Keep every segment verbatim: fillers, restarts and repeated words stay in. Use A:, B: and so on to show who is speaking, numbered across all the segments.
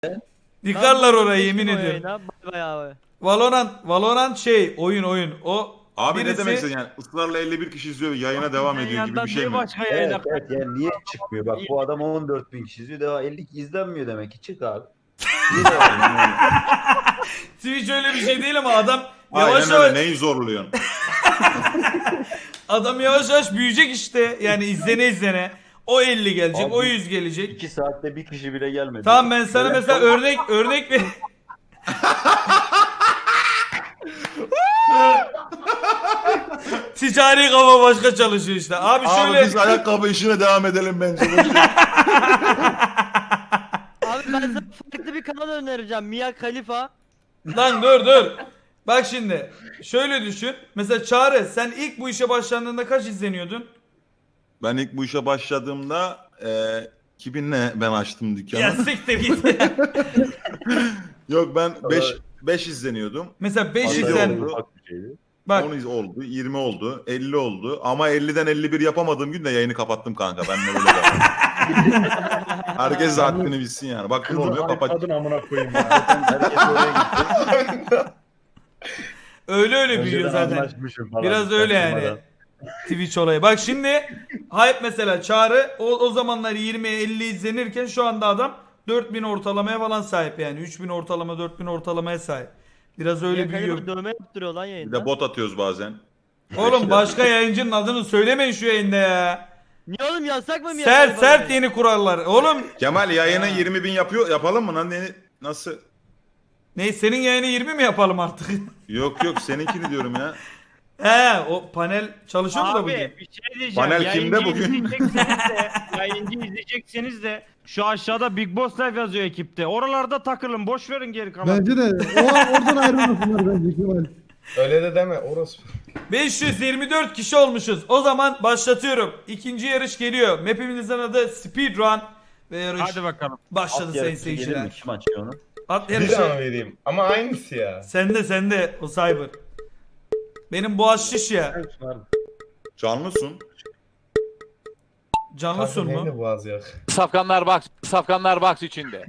A: Yıkarlar orayı yemin
B: Geçtim o
A: ediyorum.
B: yayına, bay bay abi.
A: Valorant, Valorant şey oyun oyun. O
C: Abi ne
A: birisi...
C: demek istedin yani ısrarla elli bir kişi izliyor yayına devam ediyor gibi bir şey mi?
D: başka
E: Evet evet yani niye çıkmıyor? Bak bu adam on dört bin kişi izliyor. Daha elli izlenmiyor demek ki. Çık abi. Niye devam ediyorsun?
A: Twitch öyle bir şey değil ama adam yavaş
C: Aynen öyle
A: yavaş
C: neyi zorluyorsun?
A: adam yavaş yavaş büyüyecek işte. Yani izlene izlene. O elli gelecek,
E: Abi,
A: o yüz gelecek.
E: İki saatte bir kişi bile gelmedi.
A: Tamam ben sana
E: Böyle-
A: mesela örnek örnek ver. Ticari kafa başka çalışıyor işte. Abi
C: Abi
A: şöyle
C: biz ayakkabı işine devam edelim bence.
B: Abi ben sana farklı bir kanal önereceğim. Mia Khalifa.
A: lan dur dur. Bak şimdi şöyle düşün. Mesela Çağrı sen ilk bu işe başlandığında kaç izleniyordun?
C: Ben ilk bu işe başladığımda e, iki binle ben açtım dükkanı.
A: Ya siktir git.
C: Yok ben beş beş izleniyordum.
A: Mesela beş
C: Yedi
A: izlen.
C: oldu.
E: Ufak bir şeydi.
A: Bak
C: on iz oldu, yirmi oldu, elli oldu. Ama elliden elli bir yapamadığım gün de yayını kapattım kanka. Ben de öyle devam. Herkes de haddini bilsin yani. Bak ne oluyor kapat.
D: Kadın amına koyayım ya.
E: Zaten herkes oraya gitti.
A: öyle öyle büyüyor
D: Önceden
A: zaten.
D: anlaşmışım falan.
A: Biraz öyle yani.
D: Çaktırmadan.
A: Twitch olayı. Bak şimdi hype mesela Çağrı o, o zamanlar yirmi elli izlenirken şu anda adam dört bin ortalamaya falan sahip yani. üç bin ortalama dört bin ortalamaya sahip. Biraz öyle
B: Mia
A: büyüyor.
B: Khalifa dövme yaptırıyor lan
C: Bir
B: yayında.
C: de bot atıyoruz bazen.
A: Oğlum başka yayıncının adını söylemeyin şu yayında ya.
B: Niye oğlum yasak mı Mia
A: Sert
B: Khalifa
A: sert
B: dövme?
A: yeni kurallar. Oğlum
C: Kemal yayını yirmi bin yapıyor. Yapalım mı lan? Ne, nasıl?
A: ne senin yayını yirmi mi yapalım artık?
C: Yok yok seninkini diyorum ya.
A: He o panel çalışıyor mu da bugün?
F: Abi bir şey diyeceğim.
C: Panel kimde
F: Yayıncı
C: bugün?
F: izleyecekseniz de, yayıncı izleyecekseniz de şu aşağıda Big Boss Live yazıyor ekipte. Oralarda takılın. Boş verin geri kalan.
G: Bence de. O, oradan ayrılmasınlar bence Kemal.
D: Öyle de deme orospu.
A: beş yüz yirmi dört kişi olmuşuz. O zaman başlatıyorum. İkinci yarış geliyor. Map'imizin adı Speedrun ve yarış
F: Hadi bakalım.
A: başladı
E: At
A: sayın
E: yarısı gelir mi?
A: seyirciler.
E: Kim açıyor onu?
A: At
D: Bir
A: yarışı.
D: daha vereyim. Ama aynısı ya.
A: Sende sende o cyber. Benim boğaz şiş ya.
C: Canlısın.
A: Canlı sun mu?
D: Neydi boğaz yok.
H: Safkanlar box, Safkanlar box içinde.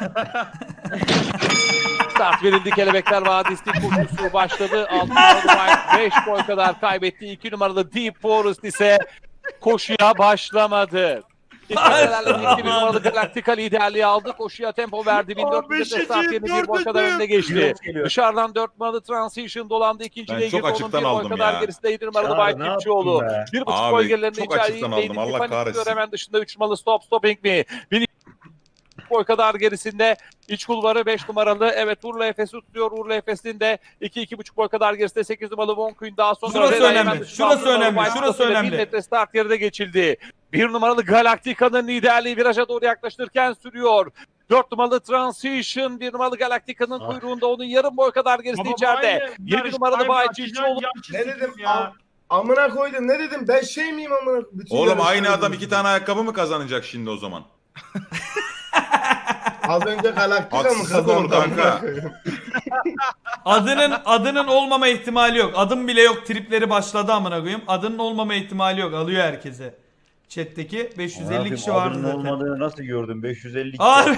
H: Start verildi, Kelebekler Vadisi koşusu başladı. altı numaralı White beş boy kadar kaybetti. iki numaralı Deep Forest ise koşuya başlamadı. İlk bir numaralı Galactica liderliği aldı. Koşuya tempo verdi. bin dört yüz start yerini bir boy kadar önüne geçti. Dışarıdan dört numaralı Transition dolandı. İkinciliğe
C: Ben çok
H: girdi. Onun
C: açıktan
H: bir boy
C: aldım
H: kadar
C: ya.
H: gerisinde yedi numaralı
D: Çağrı,
H: White
D: ne yaptın
H: Tipçioğlu.
D: be?
H: Bir buçuk
C: Abi,
H: boy gerilerinde
C: çok açıktan aldım. Allah kahretsin.
H: Hemen dışında üç numaralı Stop Stopping Me. Boy kadar gerisinde iç kulvarı beş numaralı. Evet Urla Efes'i tutuyor. Urla Efes'in de iki iki buçuk boy kadar gerisinde sekiz numaralı Von Kuyn daha sonra.
A: Şurası
H: Reda
A: önemli,
H: Yemen,
A: şurası
H: altı numaralı
A: önemli,
H: White
A: şurası
H: House ile
A: önemli.
H: bir metre start geride geçildi. bir numaralı Galactica'nın liderliği viraja doğru yaklaştırırken sürüyor. dört numaralı Transition, bir numaralı Galactica'nın
D: Ah.
H: kuyruğunda onun yarım boy kadar gerisi içeride. yedi numaralı Bayçiçioğlu.
D: Ne dedim? Am amına koydum. Ne dedim? Ben şey miyim amına? Bütün
C: Oğlum
D: yarışları
C: aynı adam
D: izledim.
C: iki tane ayakkabı mı kazanacak şimdi o zaman?
D: Az önce Galaktika mı
C: Haksızlık
D: kazandı?
C: olur kanka.
D: amına koyayım?
A: Adının adının olmama ihtimali yok. Adım bile yok tripleri başladı amına koyayım. Adının olmama ihtimali yok. Alıyor herkese. Chat'teki beş yüz elli
E: Abi,
A: kişi vardı
E: adının
A: zaten.
E: olmadığını nasıl gördün? beş yüz elli kişi.
A: Abi.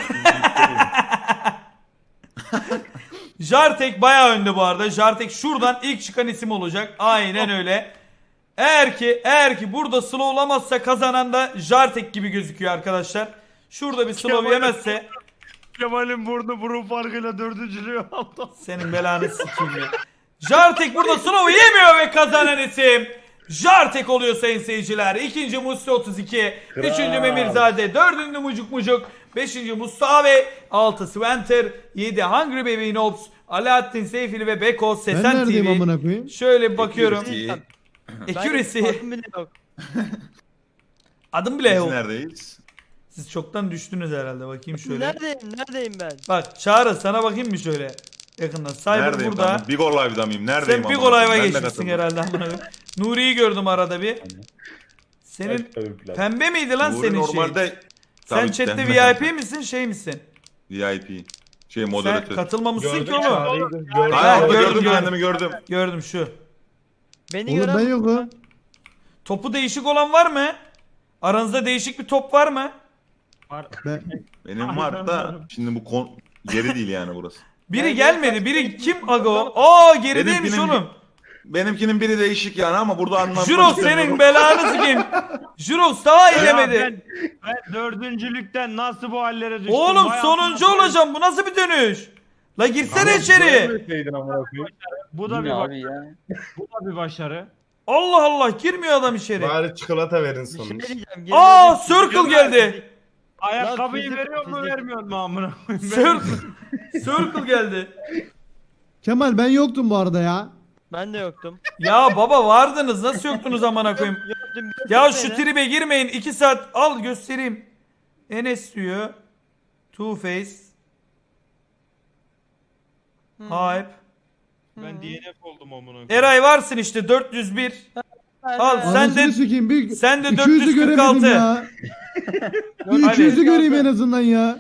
A: Jartek bayağı önde bu arada. Jartek şuradan ilk çıkan isim olacak. Aynen öyle. Eğer ki eğer ki burada slowlamazsa kazanan da Jartek gibi gözüküyor arkadaşlar. Şurada bir slow
F: Kemal-
A: yemezse
F: Kemal'in burnu burun farkıyla dördüncülüğü aldı.
A: senin belanı sikeyim ya. Jartek burada slow'u yemiyor ve kazanan isim Jartek oluyor sayın seyirciler. İkinci Musti otuz iki,
D: Kral.
A: üçüncü Memirzade, dördüncü Mucuk Mucuk, beşinci Mustafa, altı Sventer, yedi Hungry Baby Nobs, Alaaddin Seyfili ve Beko
G: Ben
A: Sesen
G: neredeyim
A: T V.
G: amına koyayım?
A: Şöyle bir bakıyorum.
C: Accuracy.
A: Accuracy.
B: Ben adım bile yok.
A: Adım bile
C: Biz
A: yok.
C: neredeyiz?
A: Siz çoktan düştünüz herhalde. Bakayım şöyle.
B: Neredeyim? Neredeyim ben?
A: Bak Çağrı sana bakayım mı şöyle? Yakından. Cyber
C: Neredeyim
A: burada.
C: ben? Big Ol Live'da mıyım? Neredeyim?
A: Sen Big
C: amına
A: Olay'a
C: koyayım? Ben de
A: geçmişsin
C: katıldım.
A: herhalde amına koyayım. Nuri'yi gördüm arada bir. Senin pembe miydi lan
C: Nuri
A: senin şey?
C: normalde
A: Sen
C: Tabii
A: chatte
C: pembe
A: V I P
C: kanka.
A: misin şey misin?
C: V I P. Şey
A: Sen
C: moderatör.
A: katılmamışsın
D: Gördüm
A: ki oğlum.
D: Çağrı'yı, gördüm.
A: Ha,
C: Hayır orada
A: gördüm,
C: gördüm,
A: gördüm.
C: kendimi gördüm.
A: Gördüm şu.
B: Beni
G: Oğlum
B: gören
G: ben yokum.
A: Topu değişik olan var mı? Aranızda değişik bir top var mı?
G: Ben,
C: Benim var da şimdi bu kon Geri değil yani burası.
A: Biri
B: Yani
A: gelmedi.
B: kaç-
A: Biri kim aga o? Aa gerideymiş
C: Benimkinin-
A: oğlum.
C: Benimkinin biri değişik yani ama burada anlatmak
A: Jurox
C: istemiyorum.
A: senin belanı sikeyim. Jurox daha
F: Ya
A: ilemedi.
F: ben, ben dördüncülükten nasıl bu hallere düştüm?
A: Oğlum
F: Vay
A: sonuncu
F: amına
A: olacağım. Bu nasıl bir dönüş? La girsene içeri.
F: koyayım. Bu da bir
E: abi
F: bak-
E: ya.
F: bu da bir başarı.
A: Allah Allah girmiyor adam içeri.
D: Bari çikolata verin
B: Bir şey
D: sonuç.
B: diyeceğim.
A: Aa
B: geri dönüp-
A: Circle geldi.
F: Ayakkabıyı
B: fizik-
F: veriyor mu
B: fizik-
F: vermiyor mu amına koyayım?
A: Circle. Circle geldi.
G: Kemal ben yoktum bu arada ya.
B: Ben de yoktum.
A: Ya baba vardınız. Nasıl yoktunuz amına koyayım?
B: Yoktum.
A: Ya
B: götürdü
A: şu
B: beni.
A: tribe girmeyin. iki saat al göstereyim. Enes diyor. Two Face. Hype.
F: Ben D N F oldum amına koyayım.
A: Eray varsın işte dört yüz bir. Al sen
G: Anasını
A: de
G: sikeyim bir
A: sen de
G: iki yüzü göremedim
A: dört yüz kırk altı.
G: ya. Bir
A: Hadi.
G: iki yüzü göreyim en azından ya.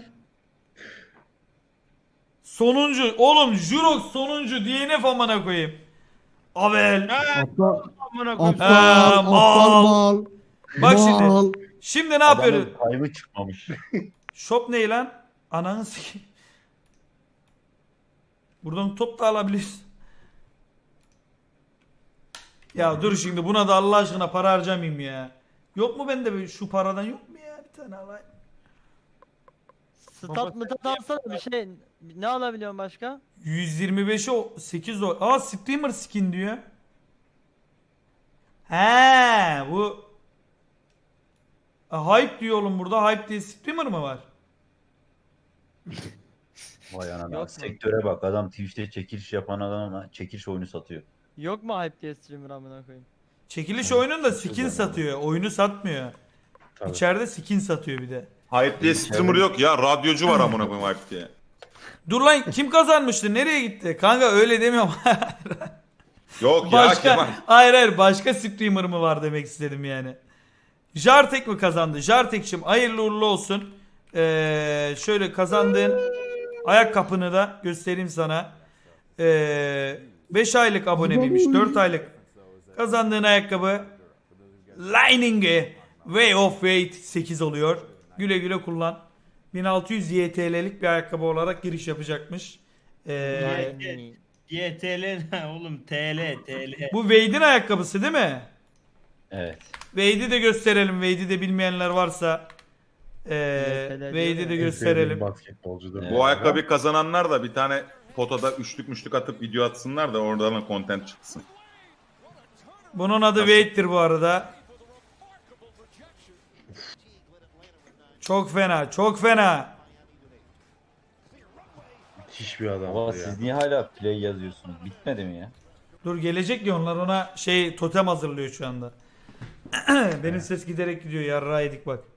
A: Sonuncu. Oğlum Jurox sonuncu. D N F amına koyayım. Avel.
G: Aptal,
F: Amına koyayım.
G: aptal,
A: Ha,
G: aptal
A: mal.
G: mal.
A: Bak şimdi.
G: Mal.
A: Şimdi ne yapıyoruz?
E: Adamın kaybı çıkmamış.
A: Shop ne lan? Ananı sikeyim. Buradan top da alabiliriz. Ya dur şimdi buna da Allah aşkına para harcamayayım ya. Yok mu bende böyle şu paradan yok mu ya? Bir tane alayım.
B: Stat mıtat alsana bir şey. Ne alabiliyorum başka?
A: yüz yirmi beşe o sekiz o. Aa streamer skin diyor. He bu. Aa, hype diyor oğlum burada. Hype diye streamer mı var?
E: Vay anana.
B: Yok mu?
E: Sektöre bak, adam Twitch'te çekiliş yapan adam ama çekiliş oyunu satıyor.
B: Yok mu hype diye streamer amına koyayım?
A: Çekiliş oyununda skin satıyor. Oyunu satmıyor.
E: Tabii.
A: İçeride skin satıyor bir de.
C: Hype diye streamer yok ya. Radyocu var amına koyayım Hype diye.
A: Dur lan kim kazanmıştı? Nereye gitti? Kanka öyle demiyorum.
C: Yok ya
A: başka
C: Kemal.
A: hayır hayır başka streamer mı var demek istedim yani. Jartek mi kazandı? Jartek'cim hayırlı uğurlu olsun. Ee, şöyle kazandığın ayakkabını da göstereyim sana. Ee, beş aylık abone miymiş? dört aylık. Kazandığın ayakkabı Lining Way of Weight sekiz oluyor. Güle güle kullan. bin altı yüz Y T L'lik bir ayakkabı olarak giriş yapacakmış. Ee,
B: Yani.
F: Y T L ne oğlum T L T L.
A: bu Wade'in ayakkabısı değil mi?
E: Evet.
A: Wade'i de gösterelim. Wade'i de bilmeyenler varsa ee,
B: Y T L
A: Wade'i
B: diyor
A: de
B: ya.
A: gösterelim.
I: Basketbolcudur.
E: Evet.
C: Bu ayakkabıyı kazananlar da bir tane fotoda üçlük müşlük atıp video atsınlar da oradan content çıksın.
A: Bunun adı Wade'dir bu arada. Çok fena, çok fena.
I: Müthiş bir adam
E: Baba
I: ya.
E: siz niye hala play yazıyorsunuz? Bitmedi mi ya?
A: Dur gelecek ya onlar ona şey totem hazırlıyor şu anda. Benim ses giderek gidiyor yarrağı yedik bak.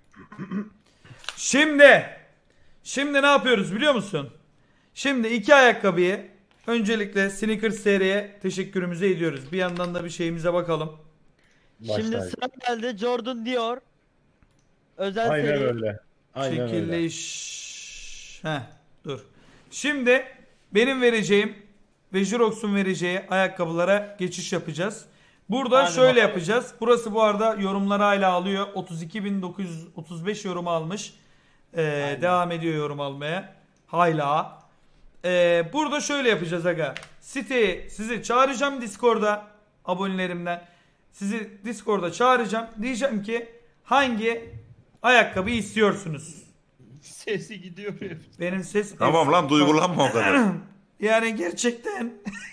A: Şimdi Şimdi ne yapıyoruz biliyor musun? Şimdi iki ayakkabıyı öncelikle Sneakers seriye teşekkürümüzü ediyoruz. Bir yandan da bir şeyimize bakalım.
B: Şimdi
I: Başlar.
B: sıra geldi Jordan Dior. Özel
I: Aynen
B: seri.
I: öyle. Aynen öyle.
A: Çekiliş. Heh, dur. Şimdi benim vereceğim ve Jurox'un vereceği ayakkabılara geçiş yapacağız. Burada
F: Hadi
A: şöyle
F: bakalım.
A: yapacağız. Burası bu arada yorumları hala alıyor. otuz iki bin dokuz yüz otuz beş yorum almış. Ee, devam ediyor yorum almaya. Hala. Ee, burada şöyle yapacağız aga. Siteye sizi çağıracağım Discord'a abonelerimden. Sizi Discord'a çağıracağım. Diyeceğim ki hangi ayakkabıyı istiyorsunuz?
F: Sesi gidiyor hep.
A: Benim ses...
C: Tamam lan duygulanma o kadar.
A: Yani gerçekten.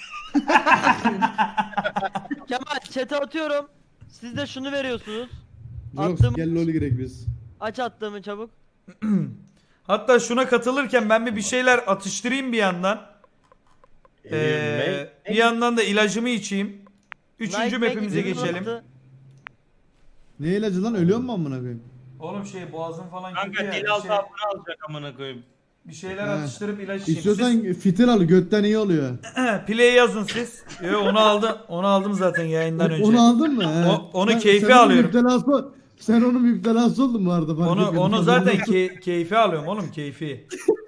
B: Kemal chat'e atıyorum. Siz de şunu veriyorsunuz.
G: Yok
B: Attım.
G: gel lol girek biz.
B: Aç attığımı çabuk.
A: Hatta şuna katılırken ben bir bir şeyler atıştırayım bir yandan. Ee, bir yandan da ilacımı içeyim. Üçüncü
B: Nike
A: map'imize
B: Nike
A: geçelim.
B: attı.
G: Ne ilacı lan ölüyor mu amına koyayım?
A: Oğlum şey boğazım falan
F: Kanka
A: kötü ya.
F: dil
A: Bir,
F: altı
A: şey-
F: abone alacak amına koyayım.
A: bir şeyler
G: He.
A: atıştırıp ilaç içeyim.
G: İstiyorsan fitil al götten iyi oluyor.
A: Siz play yazın siz. Yo, onu aldım. Onu aldım zaten yayından önce.
G: Onu aldın mı? He.
A: O- onu
G: Sen-
A: keyfi
G: sen onun
A: alıyorum.
G: müptelası- sen onun müptelası oldun bu arada. fark
A: Onu
G: etmedim.
A: onu zaten key- keyfi alıyorum oğlum keyfi.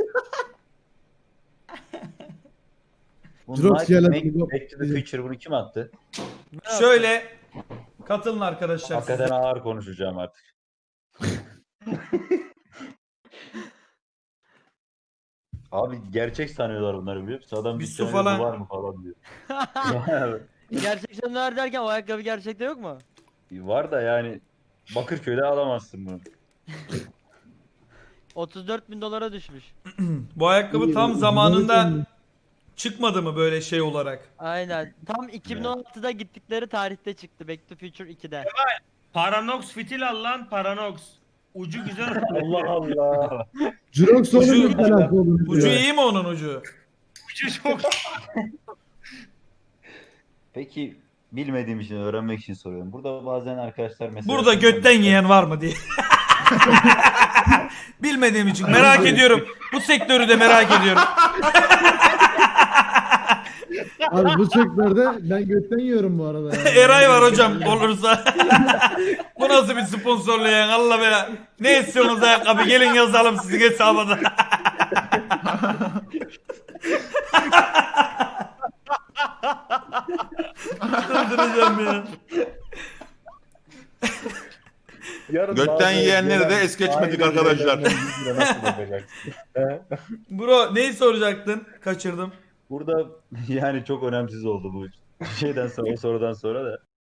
E: Bu
G: Jirox
E: Nike
G: gel
E: Make-
G: hadi.
E: Back to the Future bunu kim attı?
A: Şöyle katılın arkadaşlar. siz de.
E: Hakikaten ağır konuşacağım artık. Abi gerçek sanıyorlar bunları biliyor musun? Adam
A: Bir
E: bir
A: su
E: tane
A: falan-
E: var mı falan diyor.
B: Gerçekten neler derken o ayakkabı gerçekte yok mu?
E: Var da yani Bakırköy'de alamazsın bunu.
B: otuz dört bin dolara düşmüş.
A: Bu ayakkabı
G: İyi,
A: tam
G: bu-
A: zamanında
G: bu-
A: çıkmadı mı böyle şey olarak?
B: Aynen. Tam iki bin on altıda gittikleri tarihte çıktı Back to Future ikide.
F: Paranox fitil al lan Paranox. Ucu güzel.
E: Allah Allah.
G: Jirox
A: Ucu-
G: olunca telafi olur.
A: Ucu iyi mi onun ucu?
F: Ucu çok.
E: Peki bilmediğim için öğrenmek için soruyorum. Burada bazen arkadaşlar mesela...
A: Burada götten yiyen var mı diye. Bilmediğim için merak ediyorum. Bu sektörü de merak ediyorum.
G: Abi bu sektörde ben götten yiyorum bu arada. Yani.
A: Eray var hocam olursa. Bu nasıl bir sponsorlayan Allah be. Ne istiyorsunuz ayakkabı gelin yazalım sizin hesaba da. Öldüreceğim ya.
E: Yarın
C: Götten
E: bazı
C: yiyenleri de
E: gelen
C: es geçmedik
E: aile
C: arkadaşlar.
E: üyelerinden yüz lira nasıl yapacaksın? He?
A: Bro neyi soracaktın? Kaçırdım.
E: Burada yani çok önemsiz oldu bu şeyden sonra o sorudan sonra da.